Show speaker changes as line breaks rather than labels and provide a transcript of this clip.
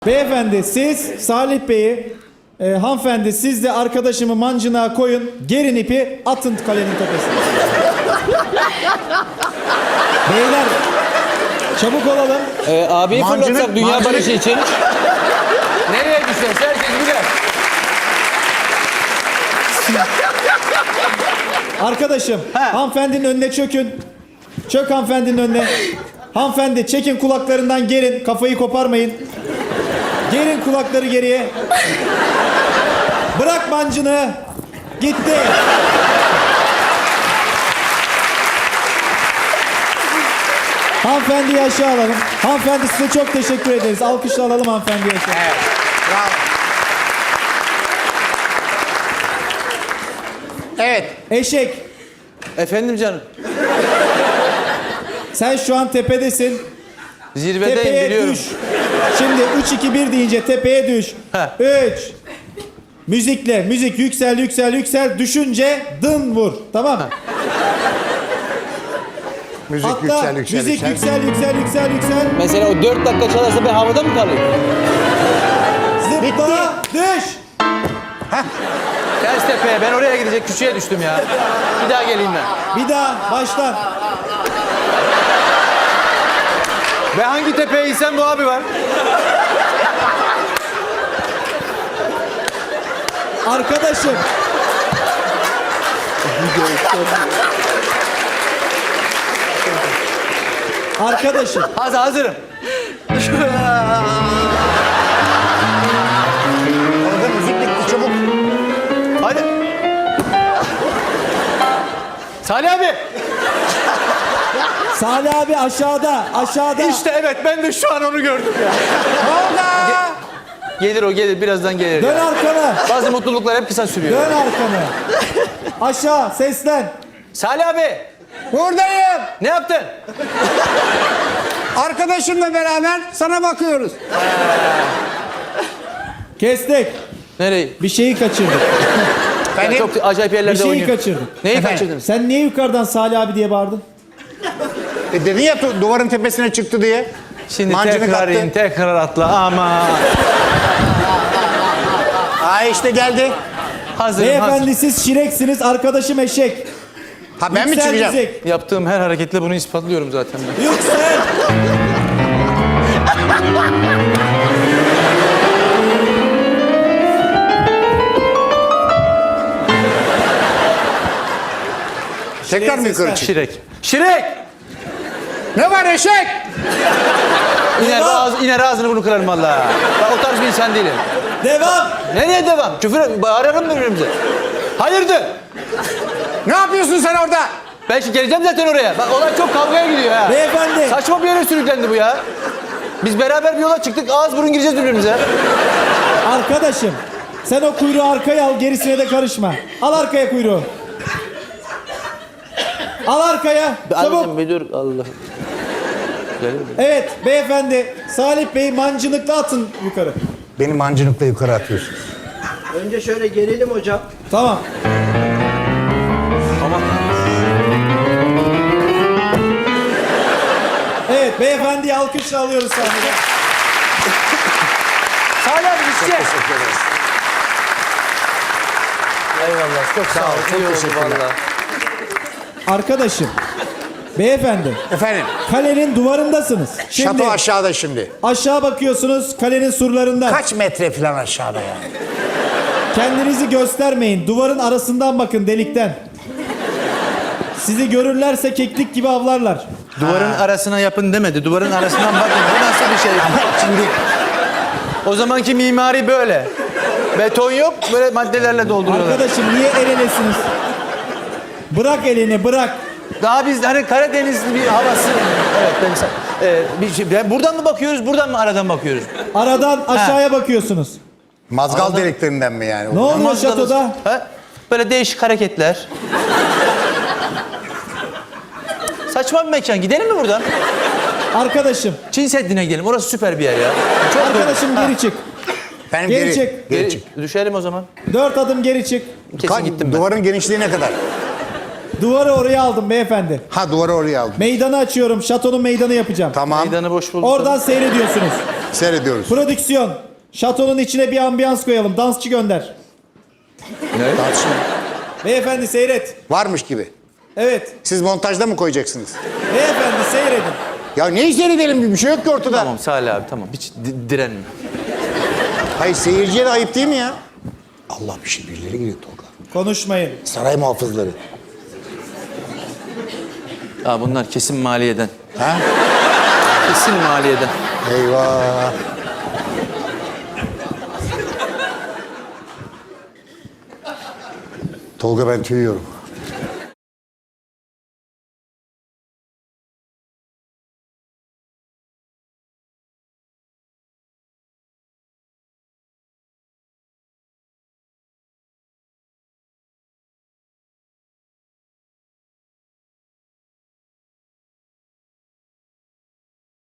Beyefendi siz Salih Bey'i, hanımefendi siz de arkadaşımı mancınığa koyun, gerin ipi, atın kalenin tepesine. Beyler çabuk olalım.
Abiyi fırlatsak dünya barışı için. Nereye düşeceğiz? Herkes bilir.
Arkadaşım hanımefendinin önüne çökün. Çök hanımefendinin önüne. Hanımefendi çekin kulaklarından gerin, kafayı koparmayın. Gerin kulakları geriye. Bırak mancını. Gitti. Hanımefendiyi aşağı alalım. Hanımefendi size çok teşekkür ederiz. Alkışla alalım hanımefendiyi aşağı.
Evet. Bravo. Evet.
Eşek.
Efendim canım.
Sen şu an tepedesin.
Zirvedeyim
Tepeye
biliyorum.
düş. Şimdi 3-2-1 deyince tepeye düş. 3. Müzikle. Müzik yüksel yüksel yüksel. Düşünce dın vur. Tamam mı?
Müzik
Hatta
yüksel yüksel
müzik
yüksel.
yüksel yüksel yüksel yüksel.
Mesela o 4 dakika çalarsa ben havada mı kalayım?
Zıpla düş.
Ters tepeye, ben oraya gidecek küçüğe düştüm ya. Bir daha geleyim ben.
Bir daha baştan.
Ve hangi tepeye insen bu abi var?
Arkadaşım. Arkadaşım.
Hazırım.
Orada müzik bitti çabuk.
Hadi. Salih abi.
Salih abi aşağıda. Aşağıda.
İşte evet, ben de şu an onu gördüm ya.
Orada.
Gelir o, gelir, birazdan gelir.
Dön
ya.
arkana.
Bazı mutluluklar hep kısa sürüyor.
Dön arkanı. Aşağı seslen.
Salih abi,
Buradayım.
ne yaptın?
Arkadaşımla beraber sana bakıyoruz.
Kestik.
Nereyi?
Bir şeyi kaçırdık.
Ya
Benim
çok acayip
Bir
yerlerde
şeyi
oynuyor.
kaçırdık.
Neyi
Efendim?
kaçırdın?
Sen niye yukarıdan Salih abi diye bağırdın?
dedin ya duvarın tepesine çıktı diye.
Şimdi
Mancını
tekrar
kaptı.
in, tekrar atla ama.
Ay işte geldi.
Hazırım,
Beyefendi siz şireksiniz, arkadaşım eşek.
Ha ben mi
Yüksel
çıkacağım?
müzik.
Yaptığım her hareketle bunu ispatlıyorum zaten ben.
Yüksel.
Tekrar mı yukarı çık?
Şirek. Şirek!
Ne var eşek?
İner ağzını bunu kırarım valla. Ben o tarz bir insan değilim.
Devam.
Nereye devam? Küfür bağırırım birbirimize. Hayırdır?
Ne yapıyorsun sen orada?
Ben şimdi geleceğim zaten oraya. Bak olay çok kavgaya gidiyor ha.
Beyefendi.
Saçma bir yere sürüklendi bu ya. Biz beraber bir yola çıktık, ağız burun gireceğiz birbirimize.
Arkadaşım. Sen o kuyruğu arkaya al, gerisine de karışma. Al arkaya kuyruğu. Al arkaya. Çabuk.
Anneciğim bir dur, Allah. Gelir mi?
Evet beyefendi. Salih Bey mancınıkla atın yukarı.
Beni mancınıkla yukarı atıyorsun.
Önce şöyle gelelim hocam.
Tamam.
Tamam.
Evet beyefendiyi alkışla alıyoruz sahneye.
Salih abi gideceğiz. Eyvallah, çok sağ ol. İyi oldu valla.
Arkadaşım. Beyefendi.
Efendim,
Kalenin duvarındasınız. Şimdi
şato aşağıda şimdi.
aşağı bakıyorsunuz kalenin surlarından.
Kaç metre falan aşağıda yani?
Kendinizi göstermeyin. Duvarın arasından bakın delikten. Sizi görürlerse keklik gibi avlarlar.
Duvarın arasına yapın demedi. Duvarın arasından bakın. Bu nasıl bir şey?
Şimdi
O zamanki mimari böyle. Beton yok, böyle maddelerle dolduruyorlar.
Arkadaşım niye el elesiniz? Bırak elini bırak.
Daha biz hani Karadenizli bir havası. Evet, ben buradan mı bakıyoruz, buradan mı aradan bakıyoruz?
Aradan aşağıya bakıyorsunuz.
mazgal deliklerinden mi yani?
Ne oluyor
Namazlarız.
şatoda?
Ha? Böyle değişik hareketler. Saçma bir mekan. Gidelim mi buradan?
Arkadaşım.
Çin Seddi'ne gidelim. Orası süper bir yer ya. Çok
Arkadaşım geri çık.
Benim
Geri çık.
Geri çık.
Düşelim o zaman.
4 adım geri çık.
Kesin gittim ben.
Duvarın genişliği ne kadar?
Duvarı oraya aldım beyefendi.
Ha duvarı oraya aldım.
Meydanı açıyorum. Şatonun meydanı yapacağım.
Tamam.
Meydanı boş bulduk.
Oradan seyrediyorsunuz.
Seyrediyoruz.
Prodüksiyon. Şatonun içine bir ambiyans koyalım. Dansçı gönder.
Tartışma.
Beyefendi seyret.
Varmış gibi.
Evet.
Siz montajda mı koyacaksınız?
Beyefendi seyredin.
Ya neyi seyredelim? Bir şey yok ki ortada.
Tamam Salih abi tamam. Hiç direnme.
Hayır seyirciye de ayıp değil mi ya? Allah bir şey birileri geliyor Tolga.
Konuşmayın.
Saray muhafızları.
Aa, bunlar kesin maliyeden.
Ha?
Kesin maliyeden.
Eyvah. Tolga ben tüyüyorum.